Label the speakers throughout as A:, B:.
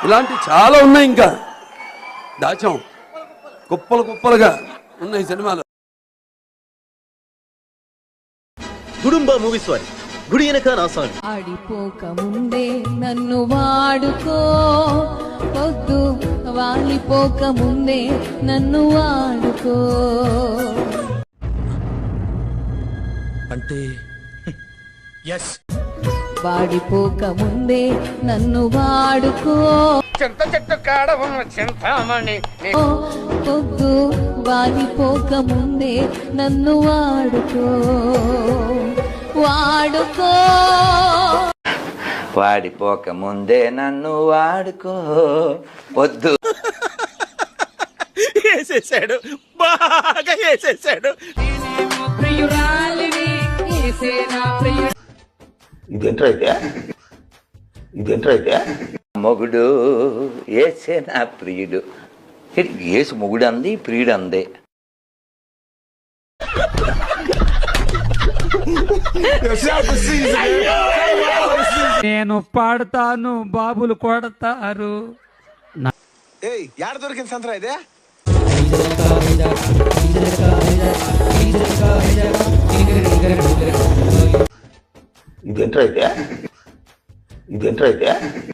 A: ఇలాంటి చాలా ఉన్నాయి, ఇంకా దాచాం కుప్పలు కుప్పలుగా ఉన్నాయి సినిమాలు.
B: గుడుంబ మూవీస్ వారి గుడి వెనక నా సాంగ్.
C: ఆడిపోక ముందే నన్ను వాడుకో, పొద్దు వాలిపోక ముందే నన్ను వాడుకో.
B: అంటే
C: వాడిపోక ముందే నన్ను వాడుకో,
D: చింత చెట్టు కాడ ఉన్న చింతామణి
C: పొద్దు వాలిపోక ముందే నన్ను వాడుకో, వాడుకో.
E: వాడిపోక ముందే నన్ను వాడుకో వద్దు.
B: వేసేసాడు, బాగా వేసేసాడు.
E: ఇదేంట్రైతే మొగుడు ఏసే నా ప్రియుడు. ఏసు మొగుడు అంది, ప్రియుడు అందే.
F: నేను పాడతాను, బాబులు కొడతారు.
G: యాడ దొరికింది సంతరా ఇదే?
E: ఇదేంట్రైతే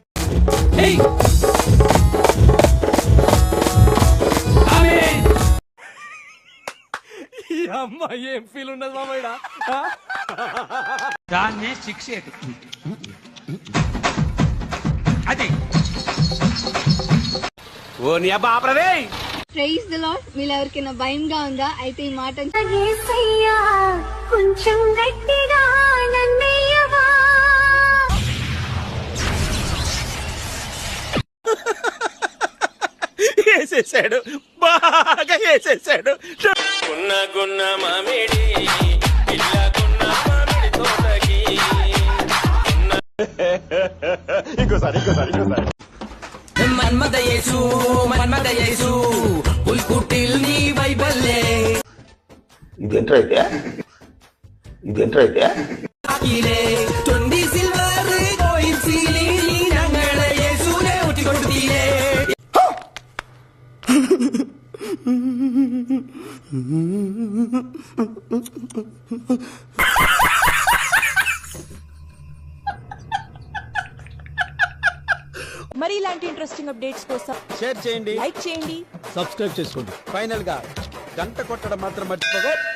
B: ఈ అమ్మాయి ఏం ఫీల్ ఉన్నది మామయ్య?
F: దాన్నే శిక్ష అదే.
B: ఓ నీ అబ్బా ఆపరదే.
H: Praise the lord. మీరు ఎవరికైనా భయంగా ఉందా? అయితే ఈ మాట
I: కొంచెం గట్టిగా నన్నయ్యవా.
B: వేసేసాడు, బాగా వేసేసాడు. గున్న గున్న మామిడి పిల్ల గున్న మామిడి తోటకి. ఇంకోసారి
D: మన్మద యేసు ఉల్కుటిల్ నీ వైబల్లే.
E: ఇదేంట్రైతే
D: ఆకిలే తొండి సిల్వర్ కోయిన్ సీలి నంగళ యేసునే ఉట్టి కొడుతీలే.
C: మరి ఇలాంటి ఇంట్రెస్టింగ్ అప్డేట్స్ కోసం
G: షేర్ చేయండి,
C: లైక్ చేయండి,
B: సబ్స్క్రైబ్ చేసుకోండి.
G: ఫైనల్ గా గంట కొట్టడం మాత్రం మర్చిపోగా.